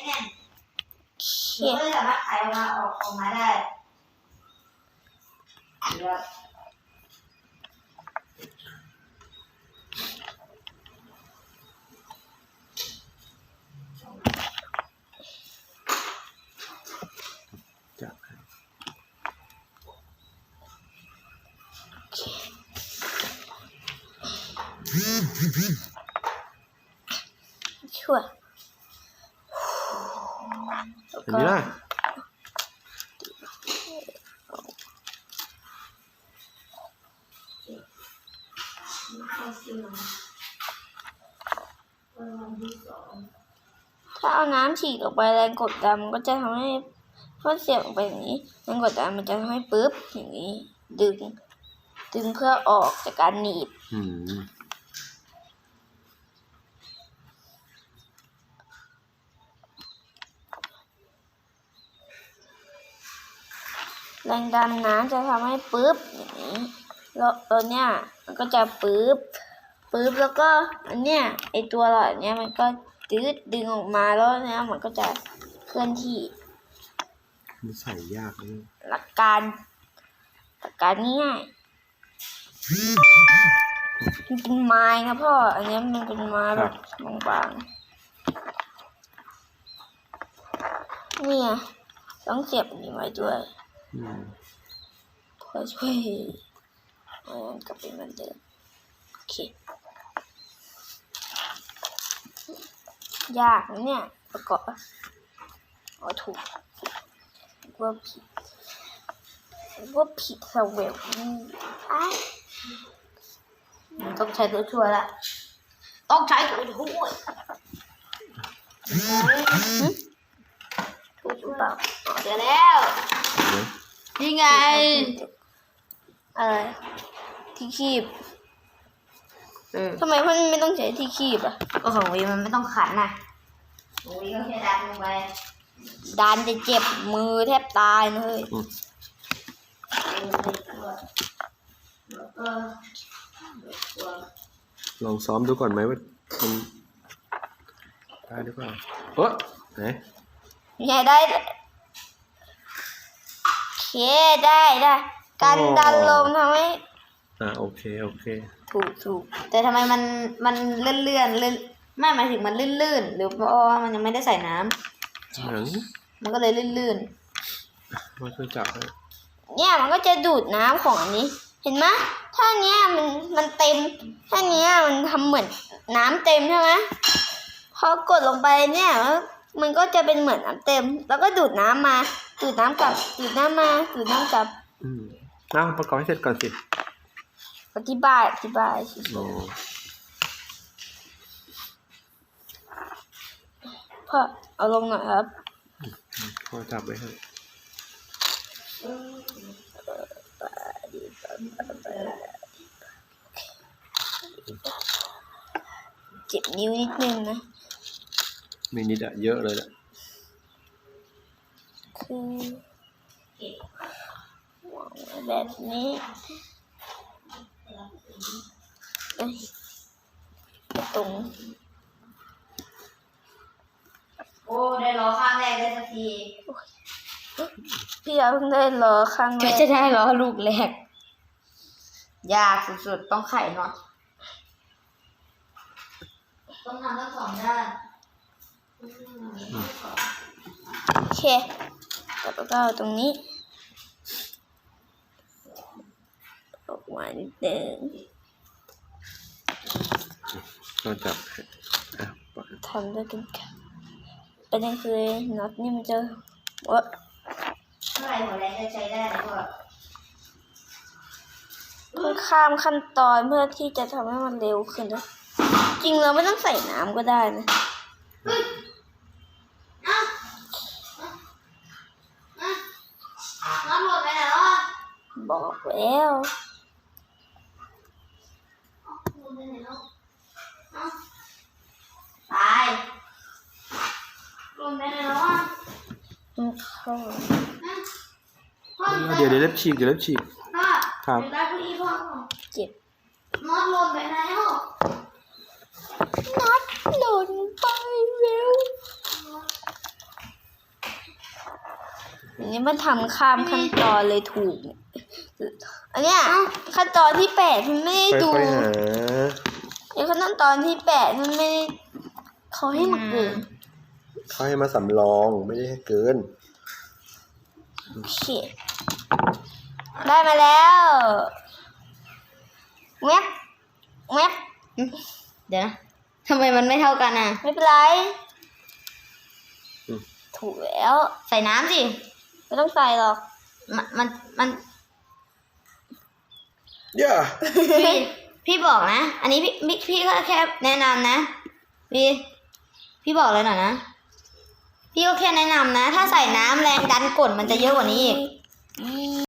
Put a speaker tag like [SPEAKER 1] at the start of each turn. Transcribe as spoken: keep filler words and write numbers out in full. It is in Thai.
[SPEAKER 1] แน่นหนูก็สามารถขายออกมาออกออกมาได้เดี๋ยว
[SPEAKER 2] จับ
[SPEAKER 3] ช่วย
[SPEAKER 2] อันนี้ล่ะ
[SPEAKER 3] ถ้าเอาน้ำฉีดออกไปแรงกดดันมันก็จะทำให้พอเสียบออกไปอย่างนี้แรงกดดันมันจะทำให้ปึ๊บอย่างนี้ดึงดึงเพื่อออกจากการหนีบ
[SPEAKER 2] อืม
[SPEAKER 3] แรงดันน้ำจะทำให้ปึ๊บอย่างนี้แล้วตัวเนี้ยมันก็จะปึ๊บปึ๊บแล้วก็อันเนี้ยไอตัวหลอดเนี้ยมันก็ดึงดึงออกมาแล้วเนี้ยมันก็จะเคลื่อนที่
[SPEAKER 2] มันใส่ยากเลย
[SPEAKER 3] หลักการหลักการง่ายมันเป็นไม้นะพ่ออันนี้มันเป็นไม้แบบบางๆเนี่ยต้องเสียบอันนี้ไว้ด้วยเพื่อช่วยมันกลับเป็นเหมือนเดิมโอเคยากนะเนี่ยประกอบอ๋อถูกว่าผิดว่าผิดสเวลอ้ายต้องใช้ตัวช่วยละต้องใช้ตัวช่วยถูกหรือเปล่าเจอแล้วนี่ไงอะไรที่คีบทำไมมันไม่ต้องใช้ที่คีบอ่ะก็ของวีมันไม่ต้องขันนะของวีก็แค่ดันลงไปดันจะเจ็บมือแทบตายเลย
[SPEAKER 2] ลองซ้อมดูก่อนไหมว่ามันได้หรือเปล่าเออไหน
[SPEAKER 3] ใหญ่ได้เคได้ได้การดันลมทำให้
[SPEAKER 2] อ่าโอเคโอเค
[SPEAKER 3] ถูกถูกแต่ทำไมมันมันเลื่อนเลื่อนเลื่อนไม่หมายถึงมันลื่นลื่นหรือเพราะว่ามันยังไม่ได้ใส่น้ำมันก็เลยลื่นลื่น
[SPEAKER 2] มาช่วยจับให้
[SPEAKER 3] เนี่ยมันก็จะดูดน้ำของอันนี้เห็นไหมถ้าเนี้ยมันมันเต็มถ้าเนี้ยมันทำเหมือนน้ำเต็มใช่ไหมพอกดลงไปเนี่ยมันก็จะเป็นเหมือนน้ำเต็มแล้วก็ดูดน้ำมาดูดน้ำกลับดูดน้ำมาดูดน้ำกลับ
[SPEAKER 2] อืมเอาประกอบให้เสร็จก่อนสิ
[SPEAKER 3] อธิบายอธิบายสิพ่อเอาลงหน่อยครับ
[SPEAKER 2] พ่อจับไว้ให้
[SPEAKER 3] เจ็บนิ้วนิดนึงนะ
[SPEAKER 2] ไม่นิดอะเยอะเลยแหละ
[SPEAKER 3] คือแบบนี้เอ้ยตรง
[SPEAKER 1] โอ้ได้ล้อข้างแรกได้สักที
[SPEAKER 3] พี่เอาเพิ่งได้ล้อข้างแรก
[SPEAKER 1] จะได้ล้อลูกแรกยากสุดๆต้องไขน็อตต้องทำทั้งสองด้าน
[SPEAKER 3] โอเคแล้วก็ตรงนี้ออกมานิดนึง
[SPEAKER 2] ก็จับ
[SPEAKER 3] ทำด้วยกันค่ะประเด็นคือน็อตนี่มันจะว่า
[SPEAKER 1] เท่าไหร่หัวแรงจะใช้ได้แล้วก็
[SPEAKER 3] มันข้ามขั้นตอนเพื่อที่จะทำให้มันเร็วขึ้นนะจริงเราไม่ต้องใส่น้ำก็ได้นะ
[SPEAKER 1] น้ำหมดไปไหนแล้ว
[SPEAKER 3] บอกแล้ว
[SPEAKER 1] ตายลงไปไหนแล้วอ่ะ
[SPEAKER 2] เดี๋ยวเดี๋ยวเล็บฉีกเดี๋ยวเล็บฉีก
[SPEAKER 1] ครับ
[SPEAKER 3] เจ็บ
[SPEAKER 1] น็อตหล่นไปแล้ว
[SPEAKER 3] น็อตหล่นไปเร็วนี่มันทำข้ามขั้นตอนเลยถูกเนี่ยอันเนี้ยขั้นตอนที่แปดมันไม่ได้ดู
[SPEAKER 2] ค่อยๆหา
[SPEAKER 3] ไอ้ขั้นตอนที่แปดมันไม่ได้เขาให้มาเกิน
[SPEAKER 2] เขาให้มาสำรองไม่ได้ให้เกิน
[SPEAKER 3] โอเคได้มาแล้วแมปแมป
[SPEAKER 1] เดี๋ยวนะทำไมมันไม่เท่ากันอ่ะ
[SPEAKER 3] ไม่เป็นไร
[SPEAKER 2] อืม
[SPEAKER 3] ถูกแล้ว
[SPEAKER 1] ใส่น้ำสิ
[SPEAKER 3] ไม่ต้องใส่หรอก
[SPEAKER 1] มันมันมัน
[SPEAKER 2] ย่า
[SPEAKER 1] พี่พี่บอกนะ อันนี้พี่พี่พี่ก็แค่แนะนำนะพี่พี่บอกเลยหน่อยนะพี่ก็แค่แนะนำนะ ถ้าใส่น้ำแรงดันกดมันจะเยอะกว่านี้อีก
[SPEAKER 3] อี